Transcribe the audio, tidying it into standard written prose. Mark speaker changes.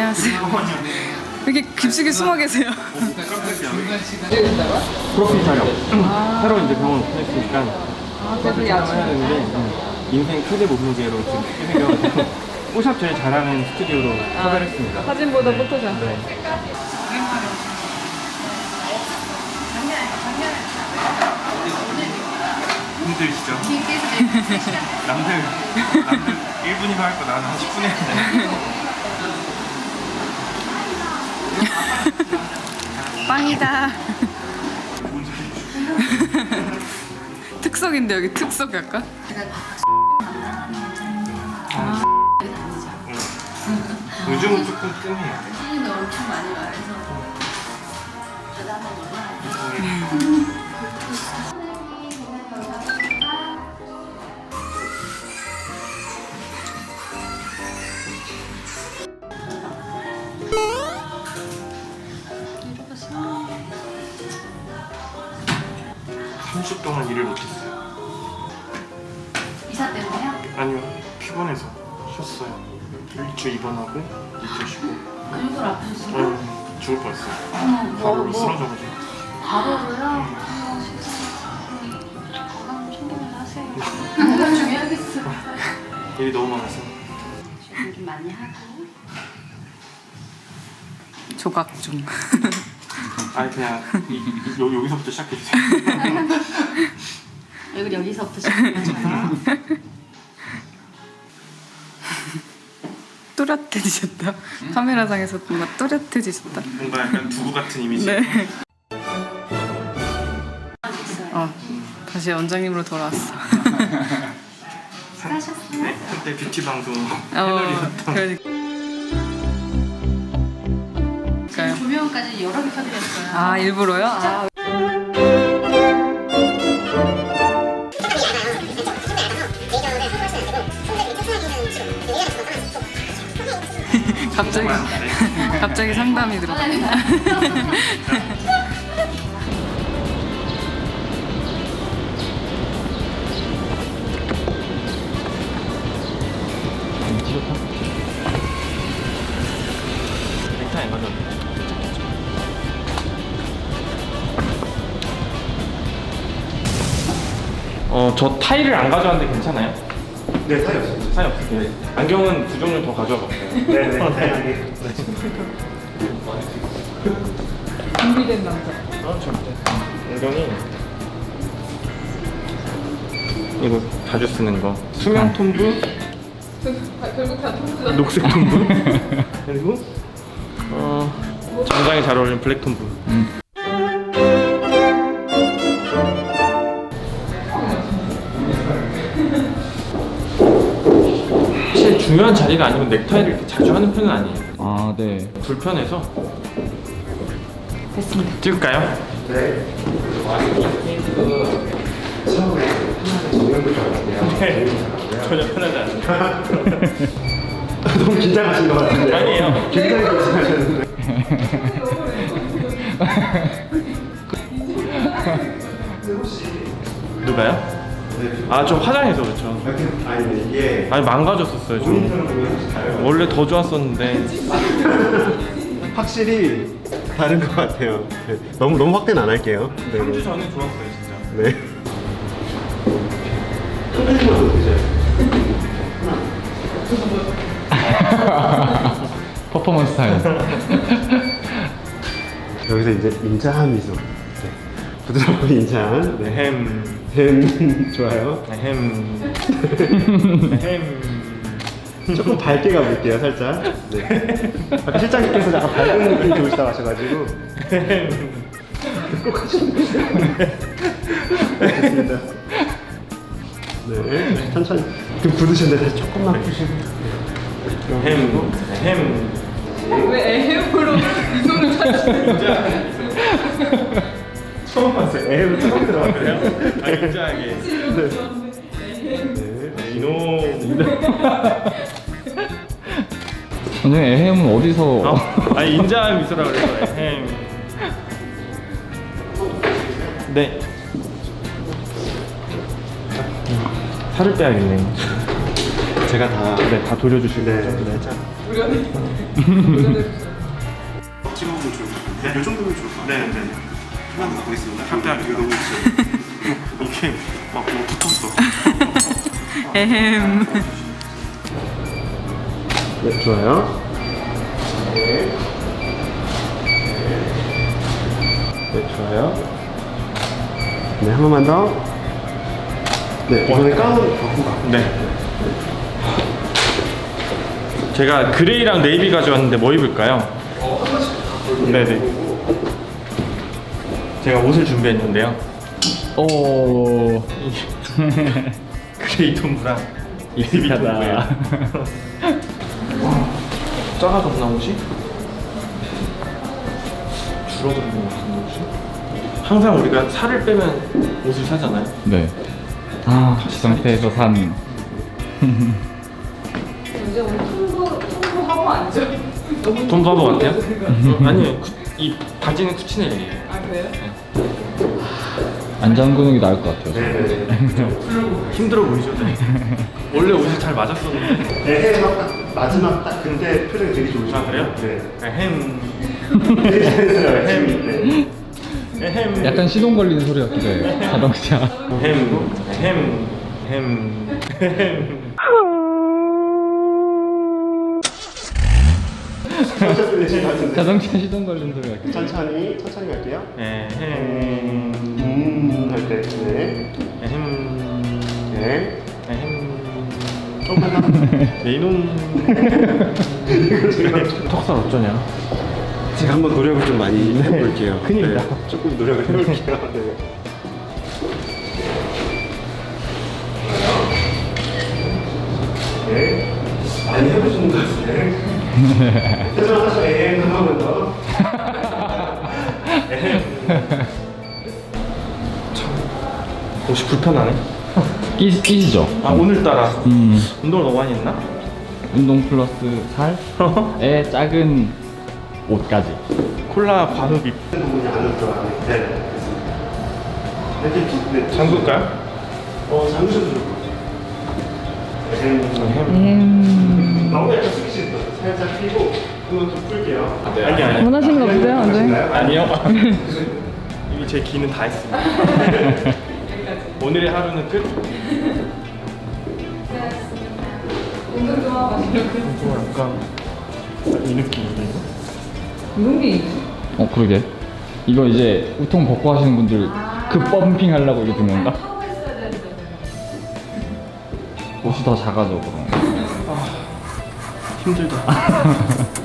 Speaker 1: 안녕하세요. 왜 이렇게 깊숙이 숨어 계세요?
Speaker 2: 프로필 촬영. 새로 이제 병원 오픈했으니까
Speaker 1: 그래서
Speaker 2: 해야 되는데 인생 최대 몸무게로 지금 생겨가지고 포샵 제일 잘하는 스튜디오로 섭외를 했습니다.
Speaker 1: 사진보다 포토샵.
Speaker 2: 네. 힘들시죠? 남들 1분이면 할 거 나는 한 10분 했는데.
Speaker 1: 빵이다. 특석인데 여기 특석 약간?
Speaker 2: 요즘은 조금 뜸해요.
Speaker 3: 손님도 엄청 많이 와서 저도 한번 놀아요.
Speaker 2: 30 동안 일을 못했어요.
Speaker 3: 이사 때문에요?
Speaker 2: 아니요, 피곤해서 쉬었어요. 일주 입원하고 일주 쉬고.
Speaker 3: 근육을 아프셨어요?
Speaker 2: 죽을 뻔했어요.
Speaker 3: 어머,
Speaker 2: 바로 쓰러져가지고.
Speaker 3: 바로로요? 건강 챙기면서 하세요. 건강 중요하겠어.
Speaker 2: 일이 너무 많아서.
Speaker 3: 준비 좀 많이 하고.
Speaker 1: 조각 중.
Speaker 2: 아니 그냥 여기서부터 시작해주세요.
Speaker 3: 여기 여기서부터 시작해요.
Speaker 1: 또렷해지셨다. 카메라상에서 뭔가 또렷해지셨다.
Speaker 2: 뭔가 약간 두부 같은 이미지.
Speaker 1: 네. 다시 원장님으로 돌아왔어.
Speaker 3: 수고하셨어요.
Speaker 2: 네, 한때 뷰티 방송 패널이었던.
Speaker 1: 그러니까요.
Speaker 3: 조명까지 여러 개 켜드렸어요.
Speaker 1: 아 일부러요? 아. 갑자기 상담이 들어.
Speaker 2: 넥타이 맞아. 저 타일을 안 가져왔는데 괜찮아요?
Speaker 4: 네, 사이 없습니다.
Speaker 2: 타일 없어요. 안경은 두 종류 더 가져와 볼게요.
Speaker 4: 네네. 다행히.
Speaker 1: 준비된 남자.
Speaker 2: 절대. 안경이 이거 자주 쓰는 거. 수면 톤부,
Speaker 1: 결국 다 통수다.
Speaker 2: 녹색 톤부, 그리고 정장에 잘 어울리는 블랙 톤부. 사실 중요한 자리가 아니면 넥타이를 이렇게 자주 하는 편은 아니에요.
Speaker 5: 아, 네.
Speaker 2: 불편해서.
Speaker 1: 됐습니다.
Speaker 2: 찍을까요?
Speaker 4: 네. 처음에 편하게 정면부터 할게요.
Speaker 2: 전혀 편하지 않아요.
Speaker 4: 너무 긴장하신 것 같은데.
Speaker 2: 아니에요.
Speaker 4: 굉장히 긴장하셨는데.
Speaker 2: 누가요? 아, 좀 화장해서 그렇죠.
Speaker 4: 아니, 이게
Speaker 2: 아니 망가졌었어요 좀.
Speaker 4: 모니터를 보면 잘
Speaker 2: 원래 더 좋았었는데.
Speaker 4: 확실히 다른 것 같아요. 네. 너무 확대는 안 할게요. 네.
Speaker 2: 3주 전에 좋았어요 진짜.
Speaker 4: 네. 끝내주면 되죠.
Speaker 5: 퍼포먼스 타임.
Speaker 4: 여기서 이제 인자한 미소. 네. 부드럽고 인자한. 네. 햄 좋아요.
Speaker 2: 햄.
Speaker 4: 조금 밝게 가볼게요, 살짝. 네. 아까 실장님께서 약간 밝은 느낌 좋으시다고 하셔가지고. 꼭 하셨는데. 됐습니다. 네, 천천히. 좀 굳으셨는데 다시 조금만 푸시고.
Speaker 2: 햄.
Speaker 1: 왜 애햄으로 이손을 찾으시는
Speaker 4: 처음 봤어요. 에휴, 처음 들어봤어요.
Speaker 2: 아 진짜하게. 이놈.
Speaker 5: 선생님, 에헴은 어디서?
Speaker 2: 아니 인자한 미소라 그래서 햄. 네. 살을 빼야겠네.
Speaker 4: 제가 다.
Speaker 2: 네, 다 돌려주실
Speaker 4: 네,
Speaker 2: 거죠?
Speaker 4: 네. 자,
Speaker 1: 노련해. 노련해.
Speaker 4: 찍어보면 좋을 것 같아요. 이 정도면 좋을 것 같아요.
Speaker 2: 네, 네.
Speaker 4: 하나 더 가보겠습니다.
Speaker 2: 탑대학
Speaker 4: 이거 너무 있어요.
Speaker 2: 이게 막 뭐 붙었어.
Speaker 1: 에헴.
Speaker 4: 네, 좋아요. 네. 네, 좋아요. 네, 한 번만 더. 네, 이번에 가운 바꾼 것 같아요.
Speaker 2: 네. 제가 그레이랑 네이비 가져왔는데 뭐 입을까요? 네네. 제가 옷을 준비했는데요.
Speaker 5: 오.
Speaker 2: 그레이 톰브랑 네이비 톰브예요. 작아졌나 옷이? 줄어드는 것 같은데 옷이? 항상 우리가 살을 빼면 옷을 사잖아요.
Speaker 5: 네. 아, 이 상태에서 산.
Speaker 1: 이제 우리 통보하고 앉아. 너무
Speaker 2: 톰 바보 같아요?
Speaker 1: 통보하고
Speaker 2: 아니요. 이 바지는 쿠치넬이에요.
Speaker 1: 아 그래요?
Speaker 5: 안 잠그는 게 나을 것 같아요.
Speaker 2: 힘들어 보이죠? 네. 원래 옷이 잘 맞았었는데.
Speaker 4: 네, 마지막 딱 근데 표정이 되게 좋으시죠?
Speaker 2: 아 그래요?
Speaker 4: 네.
Speaker 2: 햄.
Speaker 4: 되게 잘했어요. 햄. 네.
Speaker 2: 햄.
Speaker 5: 약간 시동 걸리는 소리 같기도 해요. 자동차.
Speaker 2: 햄.
Speaker 4: 천천히 내실 것 같은데.
Speaker 5: 자동차 시동 걸리는 소리 같기도 해요.
Speaker 4: 천천히 갈게요.
Speaker 2: 햄.
Speaker 4: 할 때. 네.
Speaker 2: 햄.
Speaker 4: 네.
Speaker 2: 햄.
Speaker 4: 조금만 더.
Speaker 2: 네 이놈. 턱살 어쩌냐?
Speaker 4: 제가 한번 노력을 좀 많이 해볼게요.
Speaker 2: 큰일이다.
Speaker 4: 네, 조금 노력을 해볼게요. 네. 네. 많이 해보시는 것 같은데. 죄송하죠. 한 번만 더.
Speaker 2: 옷이 불편하네.
Speaker 5: 끼시죠?
Speaker 2: 아 오늘따라 운동을 너무 많이 했나?
Speaker 5: 운동 플러스 살에 작은 옷까지.
Speaker 2: 콜라 관우비.
Speaker 4: 부분이 안으로 들어가네. 네. 이렇게 툭. 네.
Speaker 2: 잠글까요?
Speaker 4: 잠그셔도 좋을 것 같아요. 너무 약간 숙이시는 거 살짝 피고 한번 좀 풀게요.
Speaker 2: 아니.
Speaker 1: 원하시는 거 없어요, 원장님?
Speaker 2: 아니요. 이미 제 기는 다 했습니다. 오늘의 하루는 끝.
Speaker 1: 운동 좀 하고 가시려고.
Speaker 2: 좀 약간 이 느낌인데 이거?
Speaker 1: 이런 게 있지?
Speaker 5: 그러게. 이거 이제 우통 벗고 하시는 분들 그 펌핑 하려고 이게 든 건가?
Speaker 1: 하고 있어야 되는데.
Speaker 5: 옷이 더 작아져 그럼.
Speaker 2: 힘들다.